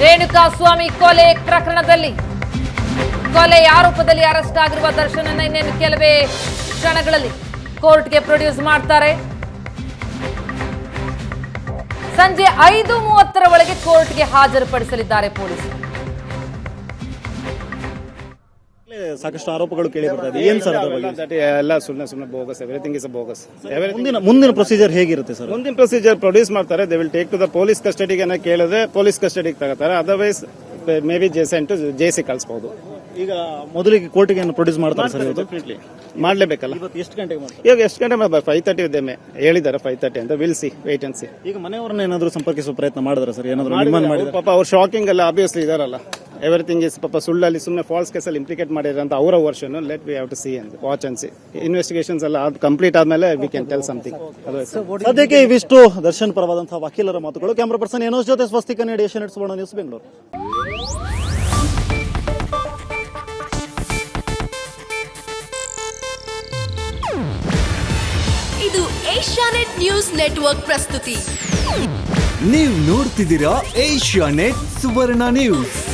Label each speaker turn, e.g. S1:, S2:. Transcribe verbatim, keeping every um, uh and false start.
S1: ರೇಣುಕಾಸ್ವಾಮಿ ಕೊಲೆ ಪ್ರಕರಣದಲ್ಲಿ ಕೊಲೆ ಆರೋಪದಲ್ಲಿ ಅರೆಸ್ಟ್ ಆಗಿರುವ ದರ್ಶನನ್ನ ಇನ್ನೇನು ಕೆಲವೇ ಕ್ಷಣಗಳಲ್ಲಿ ಕೋರ್ಟ್ಗೆ ಪ್ರೊಡ್ಯೂಸ್ ಮಾಡ್ತಾರೆ. ಸಂಜೆ ಐದು ಮೂವತ್ತರ ಒಳಗೆ ಕೋರ್ಟ್ಗೆ ಹಾಜರುಪಡಿಸಲಿದ್ದಾರೆ ಪೊಲೀಸರು.
S2: ಸಾಕಷ್ಟು ಆರೋಪಗಳು ಕೇಳಿ ಬರ್ತಾ ಇದೆ. ಏನ್ ಸರ್
S3: ಎಲ್ಲ ಸುಮ್ಮನೆ ಸುಮ್ಮನೆ ಬೋಗಸ್, ಎವ್ರಿಥಿಂಗ್ ಇಸ್ ಬೋಗಸ್.
S2: ಮುಂದಿನ ಮುಂದಿನ ಪ್ರೊಸೀಜರ್ ಹೇಗಿರುತ್ತೆ ಸರ್?
S3: ಮುಂದಿನ ಪ್ರೊಸೀಜರ್ ಪ್ರೊಡ್ಯೂಸ್ ಮಾಡ್ತಾರೆ. They will take to the police ಕಸ್ಟಡಿಗೆ ಕೇಳಿದ್ರೆ ಪೊಲೀಸ್ ಕಸ್ಟಡಿಗೆ ತಗೋತಾರೆ. ಅದರ್ವೈಸ್ ಮೇ ಬಿ ಜೆಸೆನ್ ಟು ಜೆಸಿ ಕಳಿಸಬಹುದು.
S2: ಈಗ ಮೊದಲಿಗೆ ಕೋರ್ಟ್ಗೆ ಪ್ರೊಡ್ಯೂಸ್ ಮಾಡ್ತಾರೆ ಸರ್?
S3: ಡೆಫಿನೆಟ್ಲಿ ಮಾಡಲೇಬೇಕಲ್ಲ.
S2: ಎಷ್ಟು ಗಂಟೆಗೆ ಮಾಡ್ತಾರೆ?
S3: ಇವಾಗ ಎಷ್ಟು ಗಂಟೆ? ಫೈವ್ ತರ್ಟಿ ಇದ್ದೇನೆ ಹೇಳಿದ್ದಾರೆ, ಫೈವ್ ತರ್ಟಿ ಅಂತ. Will see, wait and see.
S2: ಈಗ ಮನೆಯವ್ರನ್ನ ಏನಾದ್ರು ಸಂಪರ್ಕಿಸುವ ಪ್ರಯತ್ನ ಮಾಡಿದ್ರೆ ಸರ್? ಏನಾದ್ರು ಡಿಮಾಂಡ್ ಮಾಡಿದ್ರೆ?
S3: ಪಾಪ ಅವ್ರು ಶಾಕಿಂಗ್ ಅಲ್ಲ, ಆಬ್ವಿಯಸ್ಲಿ ಇದಾರಲ್ಲ. ಎವ್ರಿಥಿಂಗ್ ಇಸ್ ಪಾಪ ಸುಳ್ಳಲ್ಲಿ ಸುಮ್ಮನೆ ಫಾಲ್ಸ್ ಕೇಸಲ್ಲಿ ಇಂಪ್ಲಿಕೇಟ್ ಮಾಡಿದ್ರೆ ಅಂತ ಅವರ version. Let we have to see and watch and see. Investigations ಎಲ್ಲ ಅದು ಕಂಪ್ಲೀಟ್ ಆದ್ಮೇಲೆ ವಿ ಕ್ಯಾನ್ ಟೆಲ್ ಸಮಥಿಂಗ್.
S2: ಸದ್ಯಕ್ಕೆ ಇವಿಷ್ಟು ದರ್ಶನ್ ಪರವಾದಂತಹ ವಕೀಲರ ಮಾತುಗಳು. ಕ್ಯಾಮರಾ ಪರ್ಸನ್ ಏನೋಸ್ ಜೊತೆ ಸ್ವಸ್ತಿಕ ನೀಡಿ ಏಷ್ಯಾ ನೆಟ್ ಸುವರ್ಣ ನ್ಯೂಸ್, ಬೆಂಗಳೂರು.
S4: ಇದು ಏಷ್ಯಾನೆಟ್ ನ್ಯೂಸ್ ನೆಟ್ವರ್ಕ್ ಪ್ರಸ್ತುತಿ.
S5: ನೀವು ನೋಡ್ತಿದ್ದೀರಾ ಏಷ್ಯಾನೆಟ್ ಸುವರ್ಣ ನ್ಯೂಸ್.